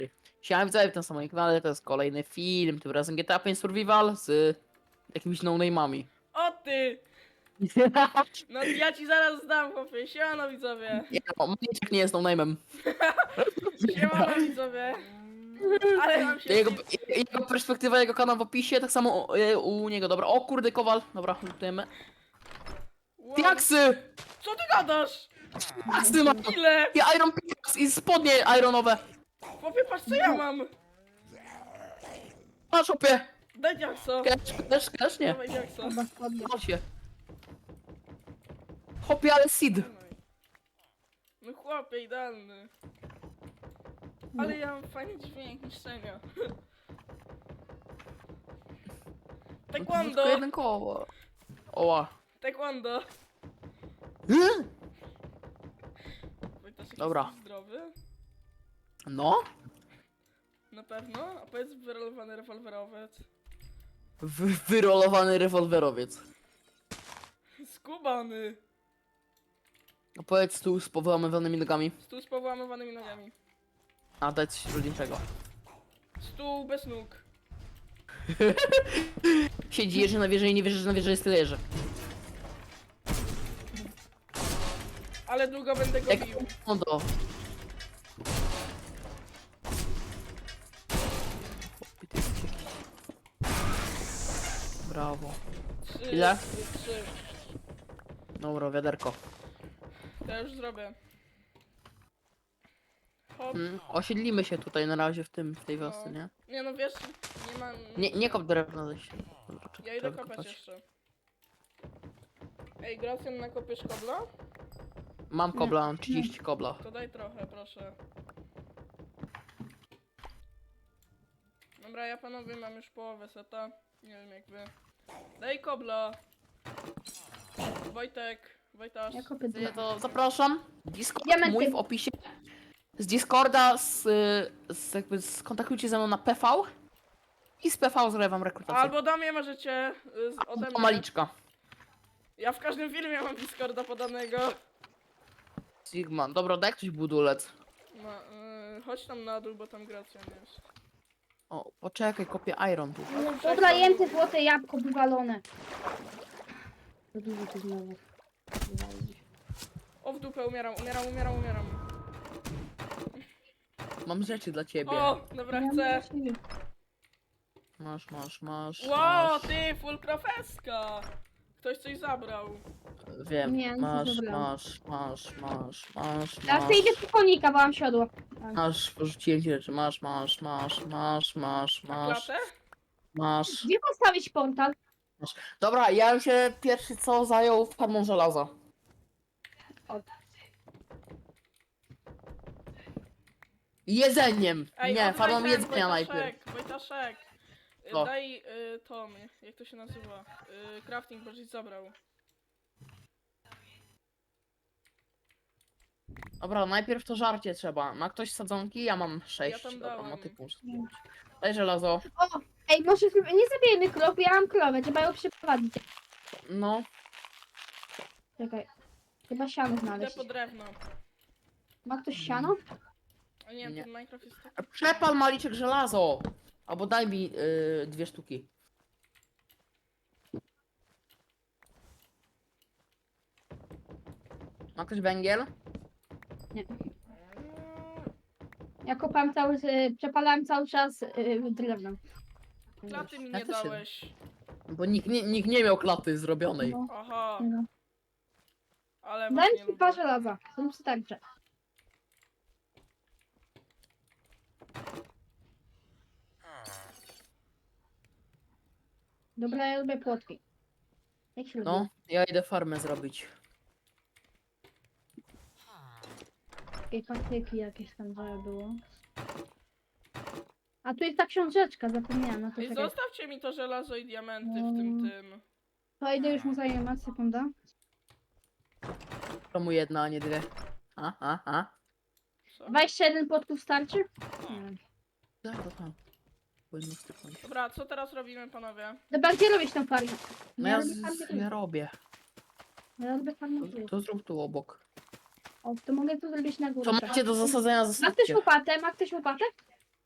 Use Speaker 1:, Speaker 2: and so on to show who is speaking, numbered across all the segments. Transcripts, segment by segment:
Speaker 1: Siema widzowie, w tym samym kanale to jest kolejny film, tym razem GTA 5 Survival z jakimiś no-name'ami.
Speaker 2: O ty! No ja ci zaraz zdam, chłopie. Siemano widzowie.
Speaker 1: Nie no, Maniczek nie jest no-name'em.
Speaker 2: Siemano widzowie. Ale nam się...
Speaker 1: Jego, jego perspektywa, jego kanał w opisie, tak samo u niego, dobra. O kurde, kowal, dobra, lutujemy.
Speaker 2: Wow.
Speaker 1: Diaksy!
Speaker 2: Co ty gadasz?
Speaker 1: Diaksy mam!
Speaker 2: Ile?
Speaker 1: I Iron Pickaxe i spodnie ironowe.
Speaker 2: Chłopie, patrz co ja mam.
Speaker 1: Masz opie!
Speaker 2: Daj diakso.
Speaker 1: Cash, nie.
Speaker 2: Dawaj diakso.
Speaker 1: Chodź się. Hopie, ale seed.
Speaker 2: No chłopie, idealny. Ale ja mam fajny dźwięk niszczenia.
Speaker 1: Tylko
Speaker 2: Taekwondo!
Speaker 1: jeden koło. Oła.
Speaker 2: Taekwondo! Wojtaszek,
Speaker 1: Dobra.
Speaker 2: jesteś zdrowy?
Speaker 1: No?
Speaker 2: Na pewno? A powiedz wyrolowany rewolwerowiec.
Speaker 1: Wyrolowany rewolwerowiec.
Speaker 2: Skubany!
Speaker 1: Opowiedz tu z powyłamywanymi nogami.
Speaker 2: Stół z powyłamywanymi nogami.
Speaker 1: A dać coś trudniejszego.
Speaker 2: Stół bez nóg.
Speaker 1: Siedzi jeży na wieży i nie wierzy, że na wieży jest tyle jeży.
Speaker 2: Ale długo będę go
Speaker 1: Jak
Speaker 2: bił.
Speaker 1: do. Brawo.
Speaker 2: 3,
Speaker 1: Ile?
Speaker 2: 3.
Speaker 1: Dobra, wiaderko.
Speaker 2: To ja już zrobię. Hop.
Speaker 1: Osiedlimy się tutaj na razie w tej wiosce,
Speaker 2: No.
Speaker 1: nie?
Speaker 2: Nie no wiesz, nie ma...
Speaker 1: Nie kop drewna ze się. Dobra,
Speaker 2: Ja idę
Speaker 1: trzeba
Speaker 2: kopać
Speaker 1: kopać.
Speaker 2: jeszcze. Ej, Gracjan, nakopiesz kobla?
Speaker 1: Mam kobla, mam 30 kobla.
Speaker 2: To daj trochę, proszę. Dobra, ja panowie mam już połowę seta. Nie wiem jak wy. Daj kobla! Wojtek, Wojtasz.
Speaker 3: Ja kopię
Speaker 1: Ja
Speaker 3: drewno.
Speaker 1: to zapraszam. Discord
Speaker 3: Diamenty.
Speaker 1: mój w opisie. Z Discorda, skontaktujcie ze mną na PV. I z PV zrobię wam rekrutację.
Speaker 2: Albo do mnie możecie ode
Speaker 1: O
Speaker 2: mnie.
Speaker 1: maliczka.
Speaker 2: Ja w każdym filmie mam Discorda podanego.
Speaker 1: Sigma. Dobra, daj ktoś budulec.
Speaker 2: No, chodź tam na dół, bo tam Gracjan jest.
Speaker 1: O, poczekaj, kopię iron tu.
Speaker 3: Dobra, jem te złote jabłko wywalone. To dużo tu znowu.
Speaker 2: O, w dupę, umieram.
Speaker 1: Mam rzeczy dla ciebie.
Speaker 2: O, dobra, chcę.
Speaker 1: Masz,
Speaker 2: Wow,
Speaker 1: masz.
Speaker 2: ty, full profeska! Ktoś coś zabrał.
Speaker 1: Wiem,
Speaker 3: Nie, nic nie
Speaker 1: masz.
Speaker 3: Teraz to idę po konika, bo mam siodło.
Speaker 1: Masz, porzuciłem ci rzeczy. Masz.
Speaker 2: A klatę?
Speaker 1: Masz.
Speaker 3: Gdzie postawić portal?
Speaker 1: Dobra, ja bym się pierwszy co zajął farmą żelaza. Jedzeniem!
Speaker 2: Ej,
Speaker 1: Nie,
Speaker 2: oddaj
Speaker 1: farmą
Speaker 2: ten,
Speaker 1: jedzenia najpierw.
Speaker 2: Wojtaszek.
Speaker 1: Co?
Speaker 2: Daj Tom, jak to się nazywa? Crafting, bo żeś zabrał.
Speaker 1: Dobra, najpierw to żarcie trzeba. Ma ktoś sadzonki? Ja mam 6.
Speaker 2: Ja tam
Speaker 1: Dobra,
Speaker 2: dałem.
Speaker 1: motyku muszę zdjąć. Daj żelazo.
Speaker 3: O, ej, może nie zabijemy krów, ja mam krowę, trzeba ją przyprowadzić.
Speaker 1: No.
Speaker 3: Czekaj. Chyba siano
Speaker 2: Idę
Speaker 3: znaleźć.
Speaker 2: po drewno.
Speaker 3: Ma ktoś siano?
Speaker 2: A nie,
Speaker 1: Nie.
Speaker 2: ten Minecraft jest taki...
Speaker 1: Przepal maliczek żelazo! Albo daj mi 2 sztuki. Ma ktoś węgiel?
Speaker 3: Nie. Ja kopałem przepalałem cały czas drewno.
Speaker 2: Klaty mi
Speaker 1: Ja
Speaker 2: nie
Speaker 1: też się-
Speaker 2: dałeś.
Speaker 1: Bo nikt nie miał klaty zrobionej.
Speaker 3: No,
Speaker 2: Aha,
Speaker 3: no.
Speaker 2: ale was
Speaker 3: Daj
Speaker 2: nie
Speaker 3: mi
Speaker 2: lubię.
Speaker 3: dwa żelaza, są starcze. Dobra, ja lubię płotki. Jak się
Speaker 1: No,
Speaker 3: lubi?
Speaker 1: ja idę farmę zrobić.
Speaker 3: Takie patyki jakieś tam było. A tu jest ta książeczka, zapomniałam. No to,
Speaker 2: Ej,
Speaker 3: czekaj.
Speaker 2: zostawcie mi to żelazo i diamenty w tym.
Speaker 3: To idę już mu zajmę, sekunda.
Speaker 1: Czemu jedna, a nie dwie? A.
Speaker 2: Co?
Speaker 3: 21 płotków starczy? Nie wiem.
Speaker 1: Tak, to. Powinno styknąć.
Speaker 2: Dobra, co teraz robimy, panowie?
Speaker 3: Dobra, gdzie robisz tą farmę?
Speaker 1: No ja robię.
Speaker 3: Ja robię farmę.
Speaker 1: To zrób tu obok.
Speaker 3: O, to mogę to zrobić na górze.
Speaker 1: Co macie do zasadzenia,
Speaker 3: Ma ktoś
Speaker 1: zasadźcie.
Speaker 3: łopatę? Ma ktoś łopatę?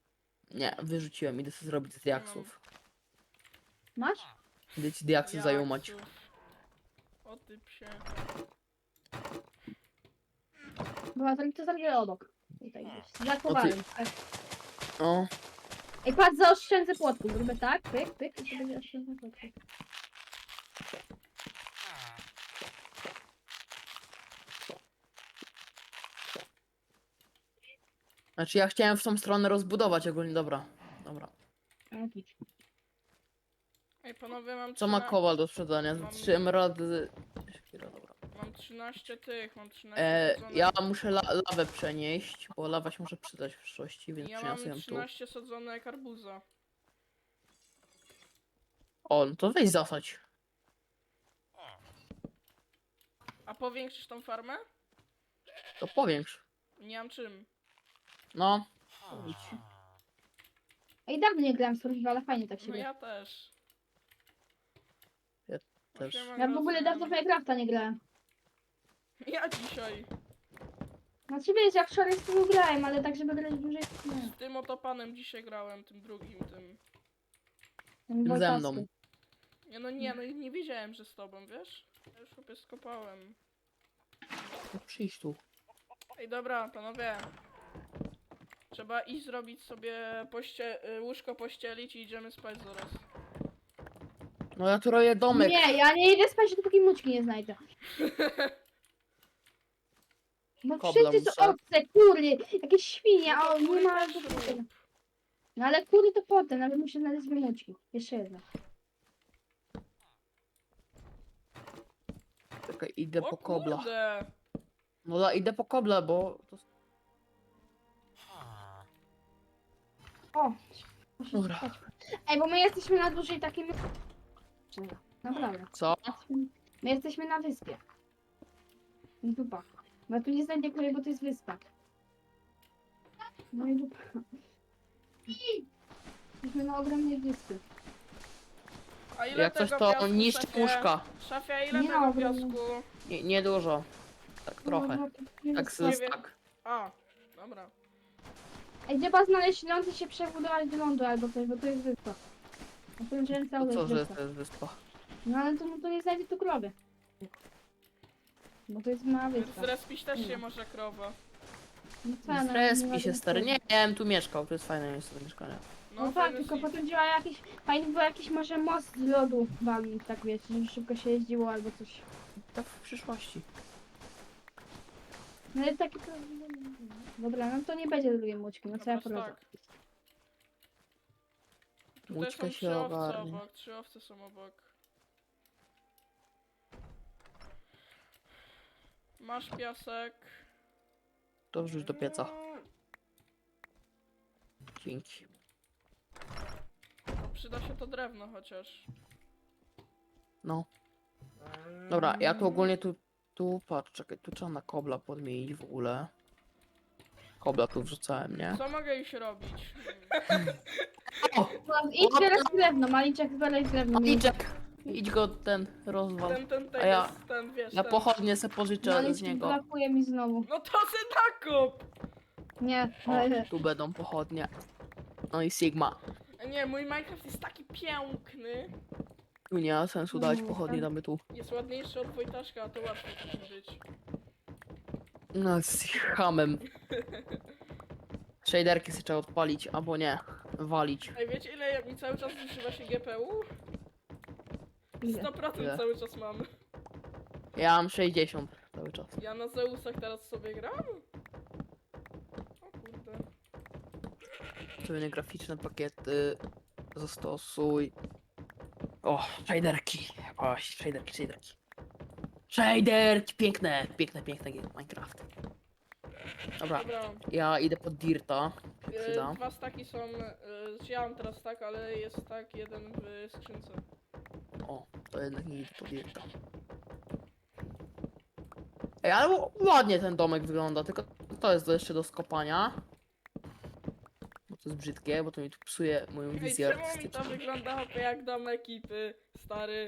Speaker 1: Nie, wyrzuciłem, idę sobie zrobić z diaksów.
Speaker 3: Masz?
Speaker 1: Idę ci diaksy zajumać.
Speaker 2: Jaksów. O ty psie.
Speaker 3: Była to zrobię obok. Tutaj gdzieś. Za kowalem. Tak.
Speaker 1: O,
Speaker 3: Ej, patrz, zaoszczędzę płotku. Zrobię tak, pyk, pyk i to będzie oszczędzę płotku.
Speaker 1: znaczy ja chciałem w tą stronę rozbudować ogólnie, dobra. Dobra.
Speaker 2: Ej, panowie, mam
Speaker 1: Co ma
Speaker 2: 13
Speaker 1: kowal do sprzedania?
Speaker 2: Mam-
Speaker 1: 3 emeraldy. Chwila, dobra.
Speaker 2: Mam 13 tych, mam 13 sadzonek.
Speaker 1: Ja muszę lawę przenieść, bo lawa się może przydać w przyszłości, więc
Speaker 2: Ja
Speaker 1: przyniosę
Speaker 2: mam
Speaker 1: ją tu.
Speaker 2: 13 sadzonek arbuza.
Speaker 1: O, no to weź zasadź.
Speaker 2: A powiększysz tą farmę?
Speaker 1: To powiększ.
Speaker 2: Nie mam czym.
Speaker 1: No.
Speaker 3: Ej, dawno nie grałem w Survival, ale fajnie tak się
Speaker 2: No
Speaker 3: gra.
Speaker 2: ja też.
Speaker 1: też.
Speaker 3: Ja w ogóle dawno w Minecrafta nie grałem.
Speaker 2: Ja dzisiaj.
Speaker 3: Znaczy wiesz, ja wczoraj z tym grałem, ale tak żeby grać dłużej nie.
Speaker 2: Z tym oto panem dzisiaj grałem, tym drugim, tym.
Speaker 3: Ten
Speaker 1: Ze
Speaker 3: Wojtasty.
Speaker 1: mną.
Speaker 2: No nie wiedziałem, że z tobą, wiesz? Ja już chłopie skopałem.
Speaker 1: No przyjdź tu.
Speaker 2: Ej, dobra, panowie. Trzeba iść zrobić sobie łóżko pościelić i idziemy spać zaraz.
Speaker 1: No ja tu roję domek.
Speaker 3: Nie, ja nie idę spać, dopóki muczki nie znajdę. No
Speaker 1: Kobla
Speaker 3: wszyscy są
Speaker 1: muszę.
Speaker 3: owce, kury, jakieś świnie,
Speaker 2: No to
Speaker 3: a nie
Speaker 2: kury
Speaker 3: ma...
Speaker 2: też rób.
Speaker 3: No ale kury to potem, ale muszę znaleźć dwie muczki. Jeszcze jedna.
Speaker 1: Czekaj, idę
Speaker 2: O
Speaker 1: po kobla.
Speaker 2: kurde.
Speaker 1: No idę po kobla, bo... To...
Speaker 3: O! Muszę
Speaker 1: Dobra.
Speaker 3: spać. Ej, bo my jesteśmy na dużej takiej... Naprawdę.
Speaker 1: Co?
Speaker 3: My jesteśmy na wyspie. Dupa. No tu nie znajdę kury, bo to jest wyspa. No i dupa. Jesteśmy na ogromnej wyspy.
Speaker 2: A ile
Speaker 1: Jak coś
Speaker 2: tego
Speaker 1: to
Speaker 2: piasku,
Speaker 1: niszczy
Speaker 2: szefie?
Speaker 1: łóżka.
Speaker 2: Szafia, ile
Speaker 3: Nie
Speaker 2: tego
Speaker 3: ma
Speaker 2: piasku?
Speaker 1: Nie dużo. Tak trochę.
Speaker 3: No,
Speaker 1: Tak
Speaker 2: Nie
Speaker 1: z
Speaker 2: wiem.
Speaker 1: tak.
Speaker 2: A, dobra.
Speaker 3: Ej, trzeba znaleźć ląd i się przebudować do lądu albo coś, bo to jest wyspa. Ja powiem, że
Speaker 1: To
Speaker 3: cały
Speaker 1: co,
Speaker 3: jest
Speaker 1: że
Speaker 3: wyspa.
Speaker 1: to jest wyspa?
Speaker 3: No ale to, no, to nie znajdzie tu krowy. Bo to jest mała wyspa.
Speaker 2: Zrespić też się może krowa.
Speaker 3: No co, no, nie
Speaker 1: Zrespi
Speaker 3: ma
Speaker 1: się
Speaker 3: tu
Speaker 1: stary.
Speaker 3: krowy.
Speaker 1: Nie, ja bym tu mieszkał, to jest fajne miejsce do mieszkania.
Speaker 3: No tak,
Speaker 2: fajny
Speaker 3: tylko
Speaker 2: sit.
Speaker 3: potem działa jakiś... Fajny był jakiś może most z lodu wam, tak wiecie, żeby szybko się jeździło albo coś.
Speaker 1: To w przyszłości.
Speaker 3: No ale taki... Dobra, no to nie będzie drugiej muczki, no co ja
Speaker 2: Dobra,
Speaker 3: poradzę.
Speaker 2: tak. Tutaj
Speaker 1: Łódźka
Speaker 2: są
Speaker 1: się
Speaker 2: 3 owce
Speaker 1: ogarnie.
Speaker 2: obok, 3 owce są obok. Masz piasek.
Speaker 1: To wrzuć do pieca. Dzięki.
Speaker 2: No, przyda się to drewno chociaż.
Speaker 1: No. Dobra, ja tu ogólnie tu patrz, czekaj, tu trzeba na kobla podmienić w ogóle. Kobla tu wrzucałem, nie?
Speaker 2: Co mogę iść robić?
Speaker 1: O!
Speaker 3: No, idź teraz drewno, Maliczek zbieraj drewno.
Speaker 1: Maliczek! Idź go ten rozwal.
Speaker 2: Ten
Speaker 1: A ja-
Speaker 2: jest, ten wiesz,
Speaker 1: Ja
Speaker 2: ten.
Speaker 1: pochodnie se pożyczę z
Speaker 3: Maliczek
Speaker 1: niego.
Speaker 3: brakuje mi znowu.
Speaker 2: No to se nakop!
Speaker 3: Nie,
Speaker 1: O, tu będą pochodnie. No i Sigma.
Speaker 2: Nie, mój Minecraft jest taki piękny.
Speaker 1: Tu nie ma sensu dać
Speaker 3: No,
Speaker 1: pochodnie,
Speaker 3: tak.
Speaker 1: damy tu.
Speaker 2: Jest ładniejszy od Wojtaszka, a to łatwo musi być.
Speaker 1: No z hamem. Shaderki sobie trzeba odpalić, albo nie. Walić.
Speaker 2: Ej, wiecie ile mi cały czas zużywa się GPU? 100%
Speaker 1: Ile?
Speaker 2: cały czas mam.
Speaker 1: Ja mam 60 cały czas.
Speaker 2: Ja na Zeusach teraz sobie gram? O kurde.
Speaker 1: Sobie graficzne pakiety. Zastosuj. O, shaderki. O, shaderki. Shaderki, piękne, piękne Minecraft. Dobra,
Speaker 2: Dobra.
Speaker 1: ja idę pod Dirta. Się przyda.
Speaker 2: 2 staki są. Ja mam teraz tak, ale jest tak jeden w skrzynce.
Speaker 1: O, to jednak nie idę pod Dirta. Ej, ale ładnie ten domek wygląda, tylko to jest jeszcze do skopania. Bo to jest brzydkie, bo to mi tu psuje moją
Speaker 2: Ej,
Speaker 1: wizję
Speaker 2: czemu mi to
Speaker 1: artystyczną.
Speaker 2: wygląda hopie, jak dom ekipy, stary?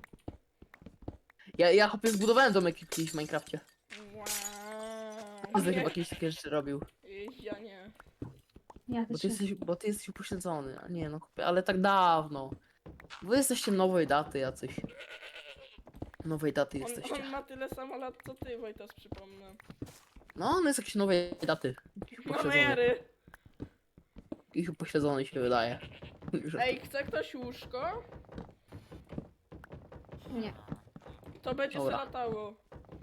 Speaker 1: Ja chłopie zbudowałem domek kiedyś w Minecrafcie.
Speaker 2: Wow.
Speaker 1: Każdy chyba kiedyś takie rzeczy robił.
Speaker 2: Ja nie.
Speaker 3: Ja też nie.
Speaker 1: Bo ty jesteś upośledzony. A nie no, chłopie, ale tak dawno. Wy jesteście nowej daty jacyś. Nowej daty
Speaker 2: On
Speaker 1: jesteście.
Speaker 2: ma tyle samo lat co ty, Wojtas, przypomnę.
Speaker 1: No, on jest jakiejś nowej daty. Upośledzony.
Speaker 2: Mamery!
Speaker 1: Ich upośledzony się wydaje. Że-
Speaker 2: Ej, chce ktoś łóżko?
Speaker 3: Nie.
Speaker 2: To będzie się
Speaker 1: Dobra.
Speaker 2: latało.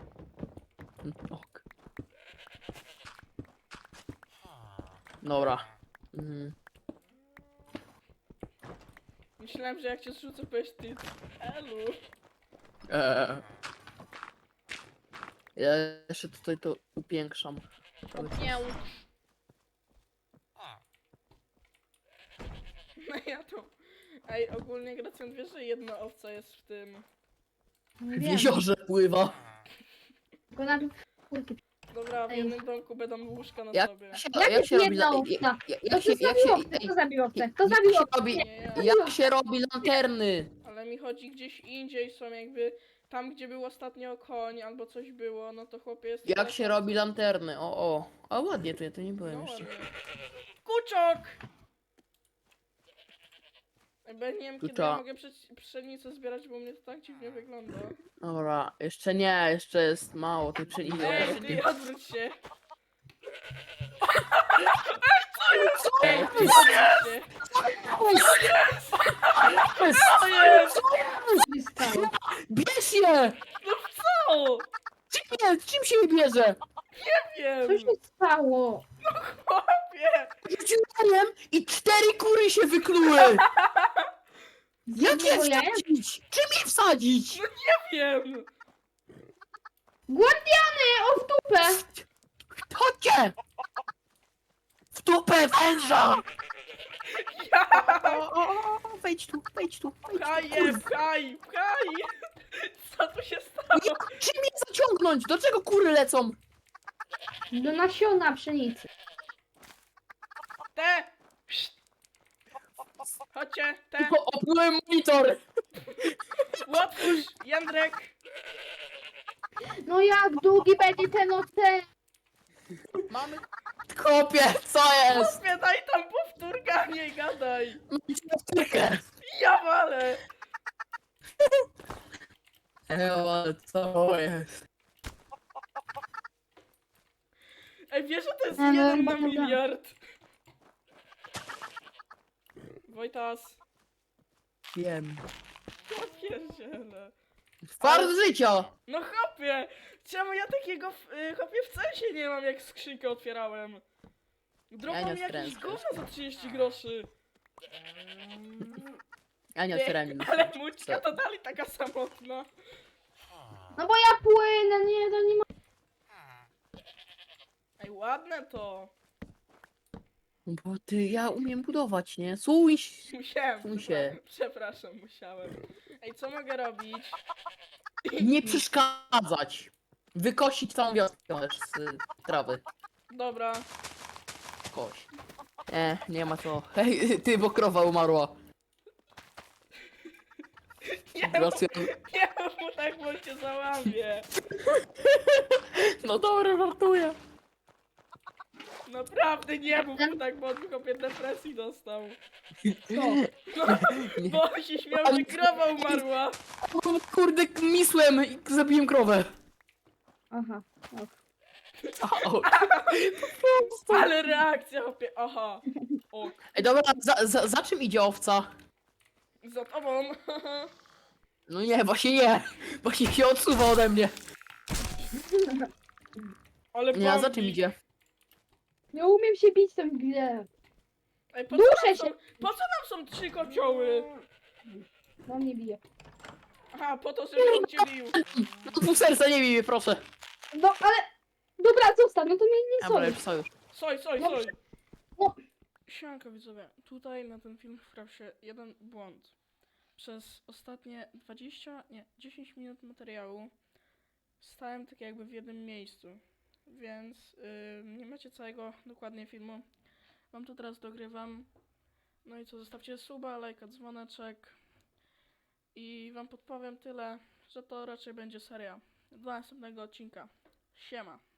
Speaker 1: Ok. Dobra. Mhm.
Speaker 2: Myślałem, że jak cię zrzucę, powiesz ty. Elu.
Speaker 1: Ja jeszcze tutaj to upiększam.
Speaker 2: Opięć. No ja to... Ej, ogólnie Gracjan, wiesz, że jedna owca jest w tym...
Speaker 3: Nie
Speaker 1: W
Speaker 3: wiem.
Speaker 1: jeziorze pływa.
Speaker 3: Tylko na kurki.
Speaker 2: Dobra, w
Speaker 3: Ej.
Speaker 2: jednym domku będą łóżka na
Speaker 1: Jak
Speaker 2: sobie.
Speaker 1: się,
Speaker 3: Jak
Speaker 1: jak się robi...
Speaker 3: jedna owca?
Speaker 1: Jak się...
Speaker 3: Kto
Speaker 1: Jak
Speaker 3: zabił
Speaker 1: się...
Speaker 3: owcę? Kto zabił owcę? Kto
Speaker 1: jak
Speaker 3: zabił
Speaker 1: się
Speaker 3: owcę?
Speaker 1: robi...
Speaker 2: Nie, ja.
Speaker 1: Jak się robi lanterny?
Speaker 2: Ale mi chodzi gdzieś indziej, są jakby... Tam, gdzie był ostatnio koń albo coś było, no to chłopie jest...
Speaker 1: Jak
Speaker 2: taka
Speaker 1: się
Speaker 2: owca.
Speaker 1: robi lanterny? O. A ładnie, to ja to nie byłem
Speaker 2: No
Speaker 1: jeszcze.
Speaker 2: ładnie. Kuczok! Bo ja nie wiem, kiedy
Speaker 1: Kucza.
Speaker 2: ja mogę pszenicę zbierać, bo u mnie to tak dziwnie wygląda.
Speaker 1: Dobra, jeszcze nie, jeszcze jest mało tej pszenicy.
Speaker 2: Ej, ty odwróć się!
Speaker 1: Co?
Speaker 2: Ej, ty odwróć się! Co jest?
Speaker 3: Co się stało?
Speaker 1: Bierz je!
Speaker 2: Co?
Speaker 1: Czym się je bierze?
Speaker 2: Nie
Speaker 3: Co
Speaker 2: wiem!
Speaker 3: się stało?
Speaker 2: Chłopie!
Speaker 1: Rzuciłem i 4 kury się wykluły! Jak je
Speaker 3: Znowu jajem?
Speaker 1: wsadzić? Czym je wsadzić?
Speaker 2: Nie wiem!
Speaker 3: Guardiany! O w dupę!
Speaker 1: Chodźcie! W dupę węża!
Speaker 2: Ja!
Speaker 1: Wejdź tu, wejdź tu, wejdź tu.
Speaker 2: Pchaj je,
Speaker 1: Kurwa.
Speaker 2: pchaj, pchaj! Co tu się stało?
Speaker 1: Czym je zaciągnąć? Do czego kury lecą?
Speaker 3: Do nasiona pszenicy.
Speaker 2: Te! Pszt. Chodźcie, te!
Speaker 1: Tylko oplułem monitor!
Speaker 2: Otwórz, Jędrek!
Speaker 3: No jak długi będzie ten ocen?
Speaker 1: Mamy... Kopie, co jest?
Speaker 2: Chłopie, daj tam powtórka, nie gadaj!
Speaker 1: Mamy powtórkę.
Speaker 2: Ja walę!
Speaker 1: Ale co jest?
Speaker 2: Ej, wiesz, że to jest
Speaker 3: Ale
Speaker 2: 1 na
Speaker 3: dobra.
Speaker 2: miliard? Wojtas,
Speaker 1: Wiem.
Speaker 2: ja pierdzielę.
Speaker 1: Fart życia!
Speaker 2: No chłopie! Czemu ja takiego chłopie w sensie nie mam, jak skrzynkę otwierałem? Dropał
Speaker 1: Ja nie
Speaker 2: mi
Speaker 1: otwierałem
Speaker 2: jakieś
Speaker 1: skrzynki.
Speaker 2: gówno za 30 groszy.
Speaker 1: Ja nie otwierałem nic.
Speaker 2: Ale mućka to dalej taka samotna.
Speaker 3: No bo ja płynę, nie, to nie ma...
Speaker 2: Ej, ładne to.
Speaker 1: Bo ty, ja umiem budować, nie? Słuchaj.
Speaker 2: Musiałem.
Speaker 1: Fuj się.
Speaker 2: Przepraszam, musiałem. Ej, co mogę robić?
Speaker 1: Nie przeszkadzać. Wykosić całą wioskę też z trawy.
Speaker 2: Dobra.
Speaker 1: Koś. Nie ma co. Hej, ty, bo krowa umarła.
Speaker 2: Nie,
Speaker 1: Gracjan.
Speaker 2: nie mów tak, bo cię załamie.
Speaker 1: No dobra, żartuję.
Speaker 2: Naprawdę nie mów mu tak, bo on chłopie depresji dostał.
Speaker 3: Co?
Speaker 2: No, bo się śmiał, że krowa umarła.
Speaker 1: Kurde, misłem i zabiłem krowę.
Speaker 3: Aha. Ok.
Speaker 1: Au.
Speaker 2: Ale reakcja, chłopie, aha. Ok.
Speaker 1: Ej, dobra, za czym idzie owca?
Speaker 2: Za tobą.
Speaker 1: No nie, właśnie nie. Właśnie się odsuwa ode mnie.
Speaker 2: Ale
Speaker 1: Nie, a za
Speaker 2: bombik.
Speaker 1: czym idzie?
Speaker 3: Nie umiem się bić w tą grę.
Speaker 2: Ej, po
Speaker 3: Duszę
Speaker 2: co nam
Speaker 3: się.
Speaker 2: są, po co nam są 3 kocioły?
Speaker 3: No mnie bije.
Speaker 2: Aha, po to, żeby on cię bił.
Speaker 1: No pół serca nie bij mnie, proszę.
Speaker 3: No ale... Dobra, zostaw, no to mnie nie
Speaker 1: Dobra,
Speaker 3: soli.
Speaker 1: już sojusz.
Speaker 2: Soj.
Speaker 3: No, no.
Speaker 2: Sianko widzowie, tutaj na ten film wprawił się jeden błąd. Przez ostatnie 10 minut materiału stałem tak jakby w jednym miejscu, więc nie macie całego dokładnie filmu. Wam tu teraz dogrywam. No i co, zostawcie suba, lajka, dzwoneczek i wam podpowiem tyle, że to raczej będzie seria do następnego odcinka. Siema.